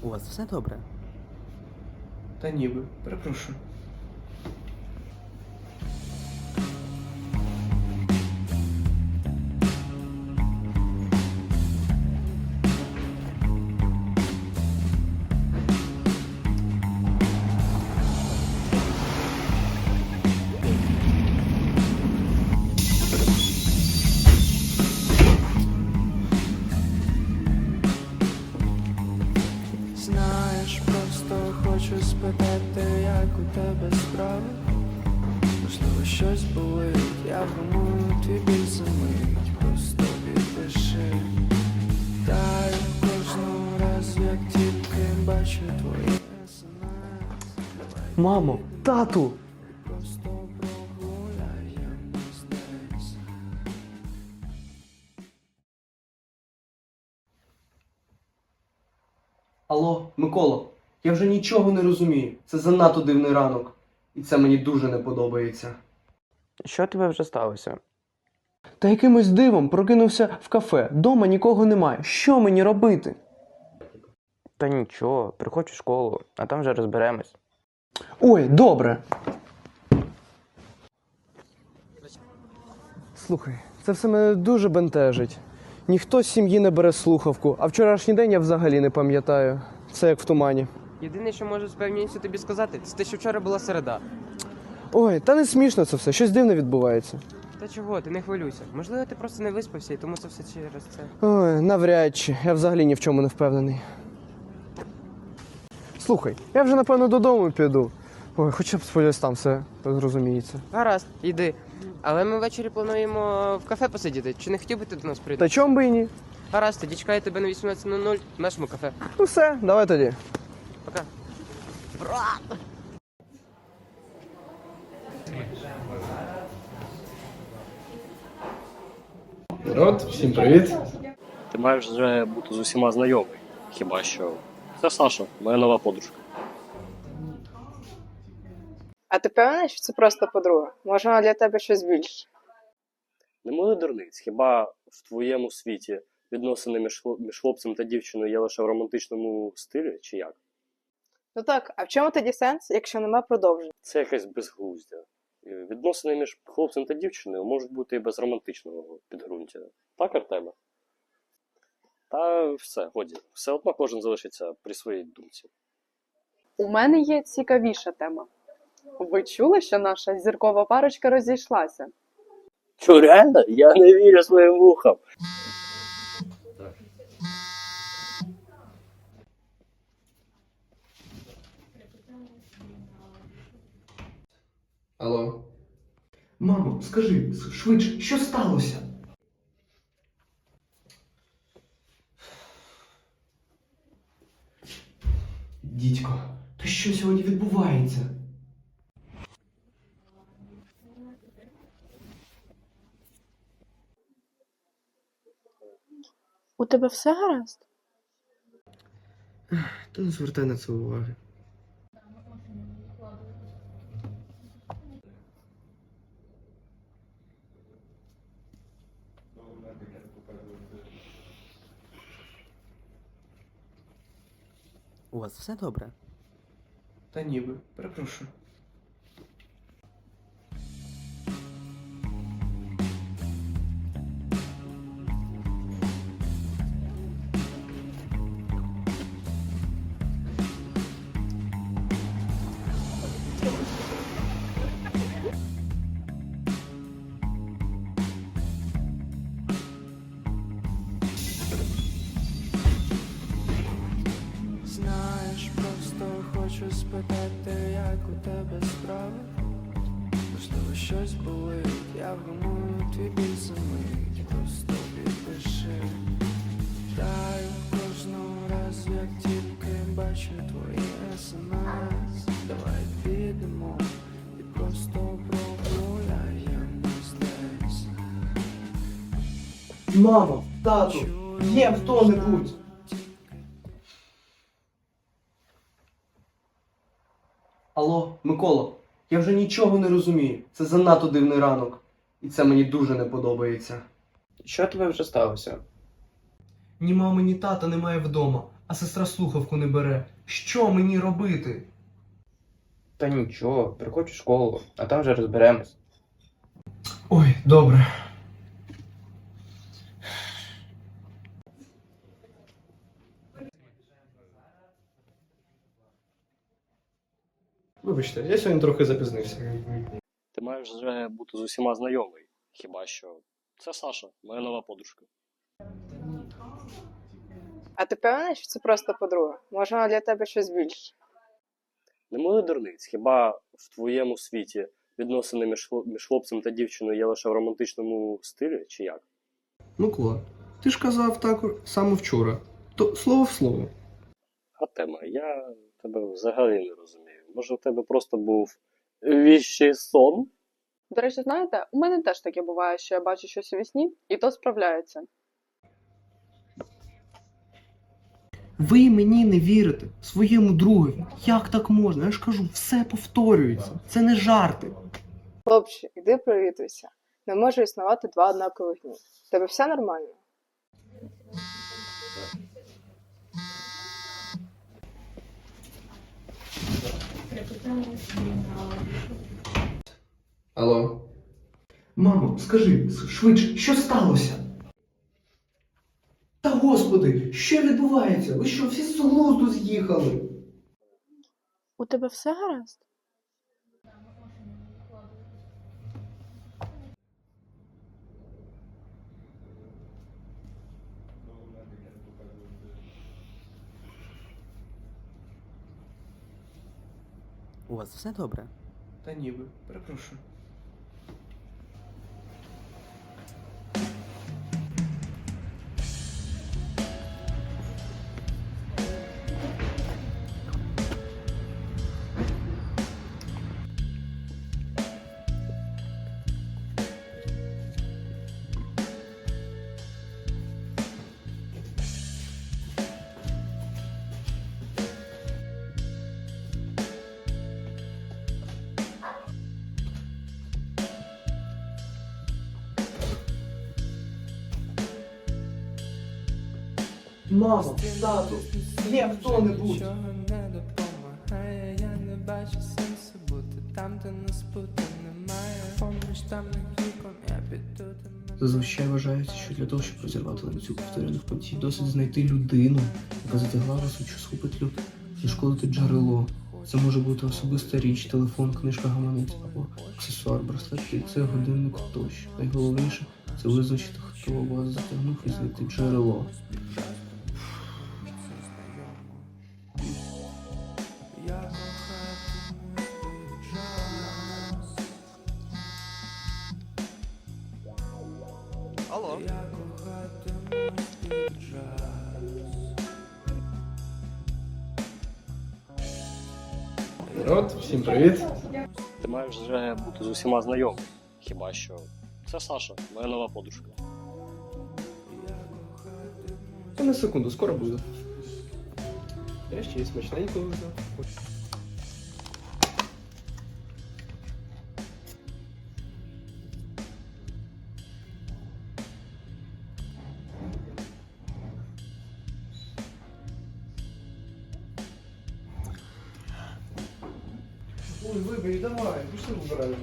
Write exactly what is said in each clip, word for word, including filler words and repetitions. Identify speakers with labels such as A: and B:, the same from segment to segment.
A: У вас все добре?
B: Та ніби, перепрошую.
C: Знаєш, просто хочу спитати, як у тебе справи. Можливо, щось болить, я вгамую твій біль за мить. Просто відпиши. Таю кожного разу, як тільки бачу твої смс.
B: Мамо, тату!
C: Просто прогуляємось десь.
B: Алло, Микола, я вже нічого не розумію. Це занадто дивний ранок. І це мені дуже не подобається.
D: Що тебе вже сталося?
B: Та якимось дивом прокинувся в кафе. Дома нікого немає. Що мені робити?
D: Та нічого, приходь у школу, а там вже розберемось.
B: Ой, добре. Слухай, це все мене дуже бентежить. Ніхто з сім'ї не бере слухавку, а вчорашній день я взагалі не пам'ятаю. Це як в тумані.
D: Єдине, що можу з певністю тобі сказати, це те, що вчора була середа.
B: Ой, та не смішно це все, щось дивне відбувається.
D: Та чого, ти не хвилюйся. Можливо, ти просто не виспався, і тому це все через це.
B: Ой, навряд чи. Я взагалі ні в чому не впевнений. Слухай, я вже напевно додому піду. Ой, хоча б сподіваюсь, там все зрозуміється.
D: Гаразд, йди. Але ми ввечері плануємо в кафе посидіти. Чи не хотів би ти до нас прийти?
B: Та чом би і ні?
D: Гаразд, тоді чекаю тебе на вісімнадцять нуль нуль в нашому кафе.
B: Ну все, давай тоді.
D: Пока.
B: Народ, всім привіт.
E: Ти маєш вже бути з усіма знайомий. Хіба що. Це Саша, моя нова подружка.
F: А ти певний, що це просто подруга? Може, вона для тебе щось більше?
E: Не моли дурниць, хіба в твоєму світі відносини між, хлоп- між хлопцем та дівчиною є лише в романтичному стилі, чи як?
F: Ну так, а в чому тоді сенс, якщо нема продовження?
E: Це якесь безглуздя. І Відносини між хлопцем та дівчиною можуть бути і без романтичного підґрунтя. Так, Артеме? Та все, годі. Все одно кожен залишиться при своїй думці.
F: У мене є цікавіша тема. Ви чули, що наша зіркова парочка розійшлася?
E: Що, реально? Я не вірю своїм вухам.
B: Алло. Мамо, скажи, швидше, що сталося? Дідько, та що сьогодні відбувається?
F: У тебе все гаразд?
B: Та не звертай на це уваги.
A: У вас все добре?
B: Та ніби, перепрошую.
C: Знаєш, просто хочу спитати, як у тебе справи. Можливо, щось болить, я вгамую твій біль за мить. Просто відпиши. Таю кожного разу, як тільки бачу твої смс. Давай підемо і просто прогуляємось десь.
B: Мамо, тату, є хто-небудь. Алло, Микола, я вже нічого не розумію. Це занадто дивний ранок. І це мені дуже не подобається.
D: Що тебе вже сталося?
B: Ні мами, ні тата немає вдома, а сестра слухавку не бере. Що мені робити?
D: Та нічого, приходь у школу, а там вже розберемось.
B: Ой, добре. Вибачте, я сьогодні трохи запізнився.
E: Ти маєш вже бути з усіма знайомий. Хіба що це Саша, моя нова подружка.
F: А ти певний, що це просто подруга? Може, вона для тебе щось більше?
E: Не мили дурниць, хіба в твоєму світі відносини між, хлоп- між хлопцем та дівчиною є лише в романтичному стилі, чи як?
B: Микола, ти ж казав так саме вчора. То слово в слово.
E: А тема, я тебе взагалі не розумію. Може, в тебе просто був віщий сон?
F: До речі, знаєте, у мене теж таке буває, що я бачу щось у вісні, і то справляється.
B: Ви мені не вірите, своєму другові. Як так можна? Я ж кажу, все повторюється. Це не жарти.
F: Хлопче, іди привітуйся. Не може існувати два однакових дні. В тебе все нормально?
B: Алло. Мамо, скажи, швидше, що сталося? Та господи, що відбувається? Ви що, всі з глузду з'їхали?
F: У тебе все гаразд?
A: У вас все добре?
B: Та ніби, перепрошую. Мамо, тату, є хто-небудь.
C: Нічого не допомагає, я не бачу сенсу бути там, де нас бути немає. Поміж темних вікон я піду до мене.
B: Зазвичай вважається, що для того, щоб розірвати ланцюг повторюваних подій, досить знайти людину, яка затягла вас у час схопить люд, зашкодити джерело. Це може бути особиста річ, телефон, книжка, гаманець або аксесуар, браслет, кільце, годинник тощо. Найголовніше це визначити, хто вас затягнув і знайти джерело.
C: Я кохатиму час.
G: Алло.
C: Я кохатиму час.
B: Народ, всім привіт.
E: Ти маєш вже бути з усіма знайомий. Хіба що це Саша, моя нова подружка.
B: Я на секунду, скоро буду. Я ще й смачненько взяв. Ой, вибери, давай, пішли вибираємо.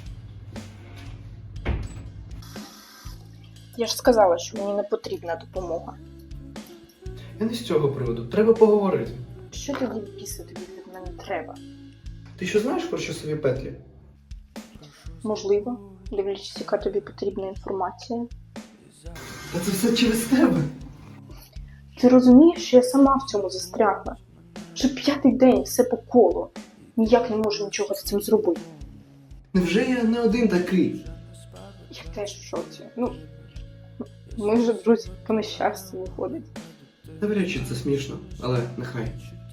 H: Я ж сказала, що мені не потрібна допомога.
B: Я не з цього приводу, треба поговорити.
H: Що тоді біси тобі від мене треба?
B: Ти що знаєш про часові петлі?
H: Можливо, дивлячись, яка тобі потрібна інформація.
B: Та це все через тебе.
H: Ти розумієш, що я сама в цьому застрягла? Вже п'ятий день все по колу. Ніяк не можу нічого з цим зробити.
B: Невже я не один такий?
H: Я теж в шоці. Ну, ми вже друзі по нещастю виходить.
B: Навряд чи це смішно, але нехай.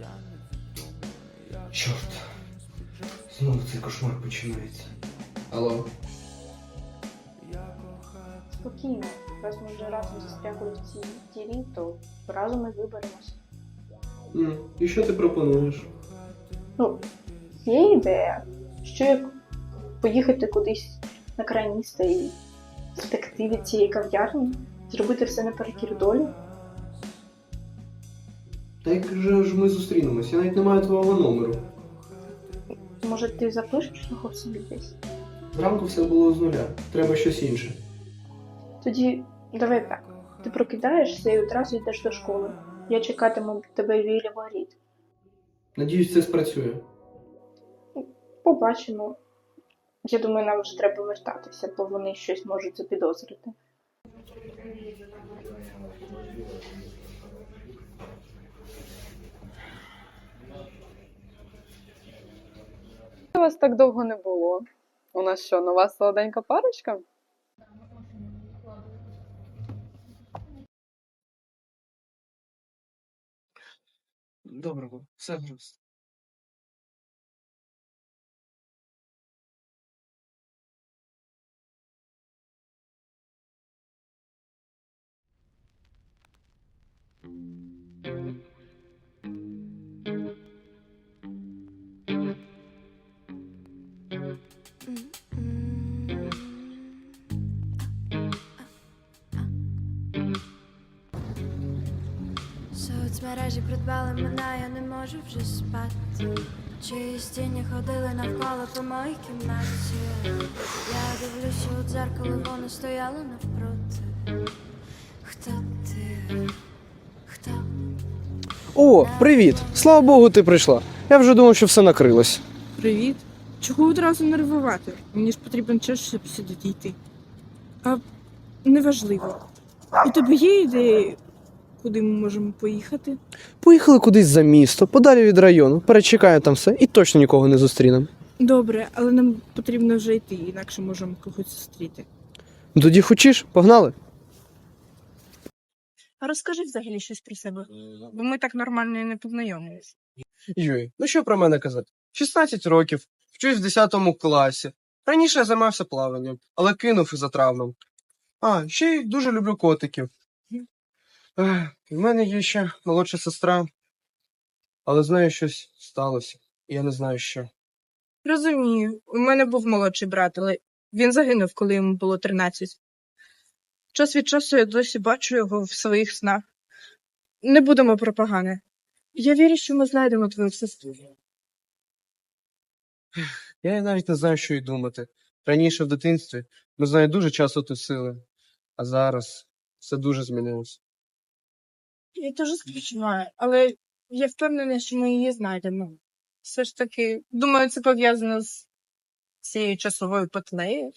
B: Чорт. Знову цей кошмар починається. Алло.
H: Спокійно. Раз ми вже разом застрягли в цій дірі, то разом і виберемося.
B: М, І що ти пропонуєш?
H: Ну, є ідея, що як поїхати кудись на край міста і втекти від цієї кав'ярні, зробити все наперекір долі.
B: Та як же ж ми зустрінемось? Я навіть не маю твого номеру.
H: Може, ти запишеш його собі десь?
B: Зранку все було з нуля. Треба щось інше.
H: Тоді давай так. Ти прокидаєшся і одразу йдеш до школи. Я чекатиму тебе біля воріт.
B: Надіюсь, це спрацює.
H: Побачимо. Я думаю, нам вже треба вертатися, бо вони щось можуть запідозрити.
F: Вас так довго не було. У нас що, нова солоденька парочка?
B: Доброго, все гаразд.
G: Соцмережі придбали мене, я не можу вже спати. Чиїсь тіні ходили навколо по моїй кімнаті. Я дивлюся у дзеркало, воно стояло навпроти. Хто ти? Хто?
I: О, привіт! Слава Богу, ти прийшла. Я вже думав, що все накрилось.
J: Привіт. Чого одразу нервувати? Мені ж потрібен час, щоб сюди дійти. А неважливо. У тебе є ідеї, куди ми можемо поїхати?
I: Поїхали кудись за місто, подалі від району, перечекаємо там все і точно нікого не зустрінемо.
J: Добре, але нам потрібно вже йти, інакше можемо когось зустріти.
I: Ну тоді хочеш? Погнали?
J: А розкажи взагалі щось про себе, бо ми так нормально і не познайомились.
I: Юй, ну що про мене казати? шістнадцять років, вчусь в десятому класі. Раніше я займався плаванням, але кинув із-за травм. А, ще й дуже люблю котиків. Ех, в мене є ще молодша сестра, але з нею щось сталося, і я не знаю що.
J: Розумію, у мене був молодший брат, але він загинув, коли йому було тринадцять. Час від часу я досі бачу його в своїх снах. Не будемо про погане. Я вірю, що ми знайдемо твою сестру.
I: Я навіть не знаю, що й думати. Раніше в дитинстві ми з нею дуже часто тусили, а зараз все дуже змінилося.
J: Я теж співчуваю, але я впевнена, що ми її знайдемо. Все ж таки, думаю, це пов'язано з цією часовою петлею.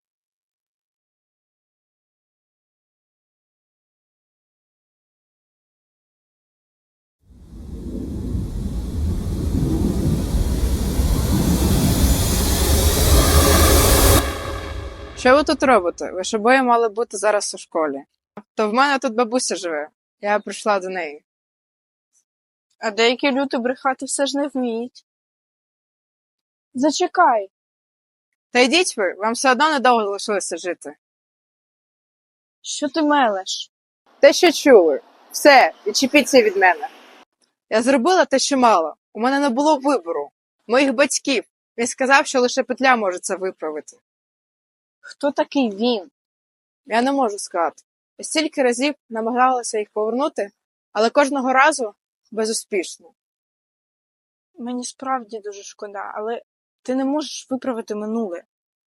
F: Що ви тут робите? Ви ж обоє мали бути зараз у школі. То в мене тут бабуся живе. Я прийшла до неї.
J: А деякі люди брехати все ж не вміють. Зачекай.
F: Та йдіть ви, вам все одно недовго залишилося жити.
J: Що ти мелеш?
F: Те, що чули. Все, відчепіться від мене. Я зробила те, що мала. У мене не було вибору. Моїх батьків. Він сказав, що лише петля може це виправити.
J: Хто такий він?
F: Я не можу сказати. Я стільки разів намагалася їх повернути, але кожного разу безуспішно.
J: Мені справді дуже шкода, але ти не можеш виправити минуле.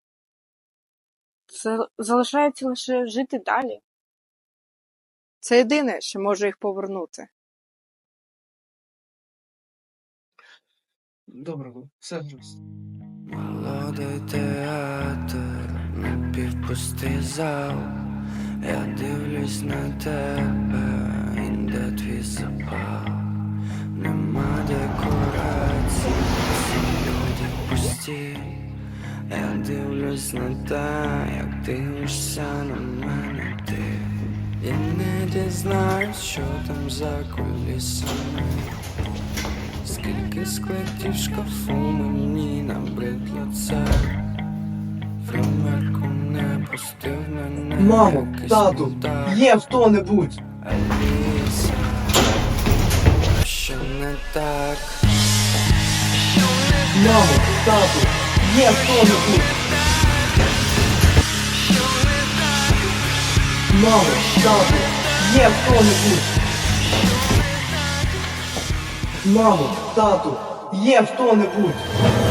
J: Це залишається лише жити далі.
F: Це єдине, що може їх повернути.
B: Доброго, все гаразд.
C: Молодий театр, напівпустий зал. Я дивлюсь на тебе, і де твій запал. Нема декорацій, всі люди пусті. Я дивлюсь на те, як дивишся на мене ти. І не дізнаюсь, що там за кулісами. Скільки складів в шкафу мені набридло це. Фримерку не пустив мене.
I: Мамо,
C: якийсь
I: тату,
C: мудак.
I: є хто-небудь!
C: Аліса, що не так?
I: Мамо, тату, є хто-небудь! Мамо, тату, є хто-небудь! Мамо, тату, є хто-небудь!